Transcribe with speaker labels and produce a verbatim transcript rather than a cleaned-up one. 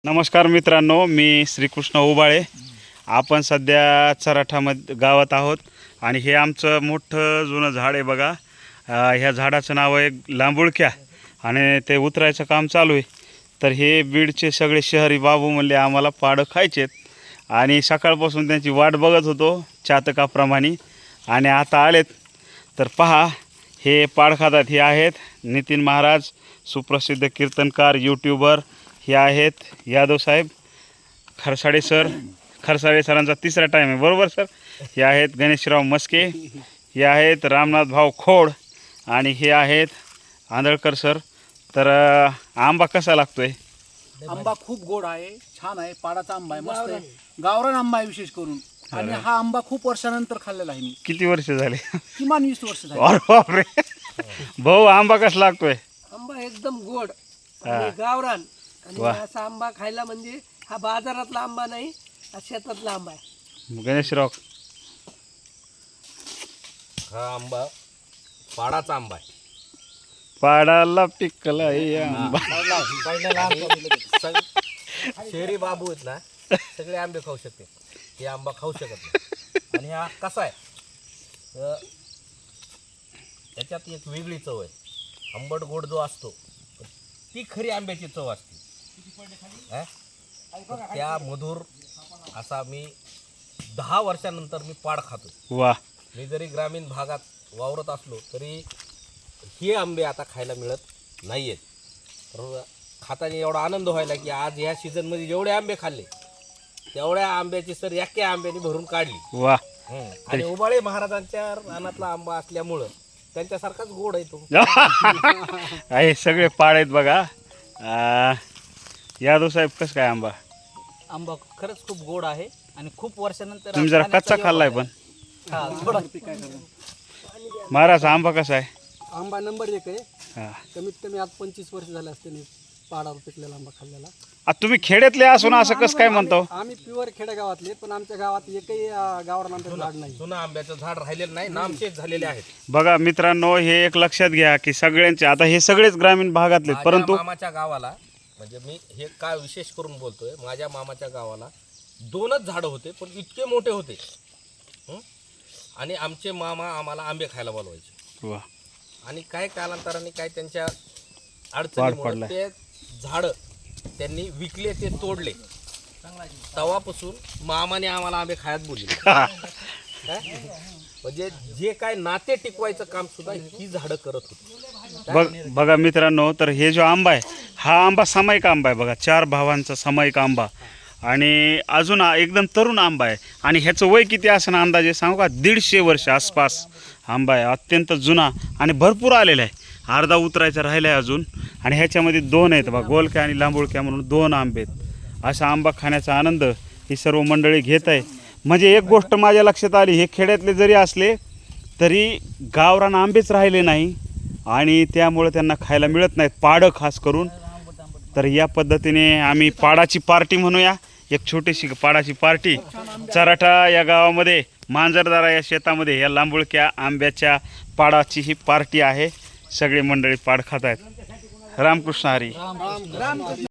Speaker 1: नमस्कार मित्रांनो, मी श्रीकृष्ण उबाळे. आपण सध्या चराठामध्ये गावात आहोत आणि हे आमचं मोठं जुनं झाड आहे बघा. ह्या झाडाचं नाव आहे लांबुळक्या आणि ते उतरायचं काम चालू आहे. तर हे बीडचे सगळे शहरी बाबू म्हणले आम्हाला पाडं खायचेत आणि सकाळपासून त्यांची वाट बघत होतो चातकाप्रमाणे आणि आता आलेत. तर पहा, हे पाड खातात. हे आहेत नितीन महाराज, सुप्रसिद्ध कीर्तनकार, यूट्यूबर. हे आहेत यादव साहेब खरसाडे सर. खरसाडे सरांचा तिसरा टाईम आहे, बरोबर सर. हे आहेत गणेशराव मस्के. हे आहेत रामनाथ भाऊ खोड आणि हे आहेत आंधळकर सर. तर आंबा कसा लागतोय?
Speaker 2: आंबा खूप गोड आहे, छान आहे. पाडाचा आंबा आहे, मस्त आहे. गावरान आंबा आहे विशेष करून. आणि हा आंबा खूप वर्षानंतर खाल्लेला आहे मी.
Speaker 1: किती वर्ष झाले?
Speaker 2: किमान वीस वर्ष झाली.
Speaker 1: अरे बापरे. भाऊ आंबा कसा लागतोय?
Speaker 3: आंबा एकदम गोड आणि गावरान. आणि असा आंबा खायला म्हणजे हा बाजारातला आंबा नाही, हा शेतातला आंबा आहे.
Speaker 1: गणेशराव,
Speaker 4: हा आंबा पाडाचा आंबा आहे.
Speaker 1: पाडाला पिकला हे आंबा.
Speaker 4: शहरी बाबू आहेत ना, सगळे आंबे खाऊ शकते, हे आंबा खाऊ शकत नाही. आणि हा कसा आहे, तर त्याच्यात एक वेगळी चव आहे. आंबट गोड जो असतो ती खरी आंब्याची चव असते. हा? तर त्या मधुर असा मी दहा वर्षानंतर मी पाड खातो.
Speaker 1: वा.
Speaker 4: मी जरी ग्रामीण भागात वावरत असलो तरी हे आंबे आता खायला मिळत नाही आहेत. तर खाताना एवढा आनंद व्हायला की आज ह्या सीझनमध्ये जेवढे आंबे खाल्ले तेवढ्या आंब्याची सर एका आंब्याने भरून काढली.
Speaker 1: वा.
Speaker 4: आणि उबाळे महाराजांच्या रानातला आंबा असल्यामुळं त्यांच्यासारखाच गोड आहे तो.
Speaker 1: आहे सगळे पाड आहेत बघा. यादव साहेब, कसं काय आंबा?
Speaker 2: आंबा खरंच खूप गोड आहे आणि खूप वर्षानंतर
Speaker 1: तुम्ही जरा कच्चा खाल्लाय पण. महाराज आंबा कसा आहे?
Speaker 5: आंबा नंबर एक आहे.
Speaker 1: हा.
Speaker 5: कमीत कमी आज पंचवीस वर्ष झाले असते मी पाडावर पिकलेला आंबा खाल्लेला.
Speaker 1: आ, तुम्ही खेड्यातले असून असं कसं काय म्हणतो?
Speaker 5: आम्ही प्युअर खेडेगावातले, पण आमच्या गावात एकही अं, गावरान आंब्याचं झाड नाही.
Speaker 4: जुनं आंब्याचं झाड राहिलेलं नाही, नामशेष झालेले आहेत.
Speaker 1: बघा मित्रांनो, हे एक लक्षात घ्या की सगळ्यांचे आता हे सगळेच ग्रामीण भागातले,
Speaker 4: माझ्या
Speaker 1: परंतु
Speaker 4: मामाच्या गावाला, म्हणजे मी हे काय विशेष करून बोलतोय, माझ्या मामाच्या गावाला दोनच झाडं होते पण इतके मोठे होते. हं? आणि आमचे मामा आम्हाला आंबे खायला बोलवायचे.
Speaker 1: वा.
Speaker 4: आणि काय कालांतराने काय त्यांच्या
Speaker 1: वाढ
Speaker 4: अडचणीमुळे
Speaker 1: पडलाय.
Speaker 4: ते झाडं त्यांनी विकले, ते तोडले. तवापासून मामाने आम्हाला आंबे खायला बोलले. म्हणजे जे काय नाते टिकवायचं काम सुद्धा ही झाडं करत होती.
Speaker 1: बघ बघा मित्रांनो, तर हे जो आंबा आहे हा आंबा सामायिक आंबा आहे बघा. चार भावांचा सामायिक आंबा आणि अजून एकदम तरुण आंबा आहे. आणि ह्याचं वय किती असं ना अंदाजे सांगू का? दीडशे वर्ष आसपास आंबा आहे. अत्यंत जुना आणि भरपूर आलेला आहे. अर्धा उतरायचा राहिला आहे अजून. आणि ह्याच्यामध्ये दोन आहेत बघा, गोलक्या आणि लांबुळक्या म्हणून दोन आंबे आहेत. असा आंबा खाण्याचा आनंद ही सर्व मंडळी घेत आहे. म्हणजे एक गोष्ट माझ्या लक्षात आली, हे खेड्यातले जरी असले तरी गावरान आंबेच राहिले नाही आणि त्यामुळे त्यांना खायला मिळत नाहीत, पाडं खास करून. तर या पद्धतीने आम्ही पाडाची पार्टी म्हणूया, एक छोटीशी पाडाची पार्टी चराठा या गावामध्ये, मांजरदारा या शेतामध्ये या लांबुळक्या आंब्याच्या पाडाची ही पार्टी आहे. सगळे मंडळी पाड खात आहेत. रामकृष्ण हरी.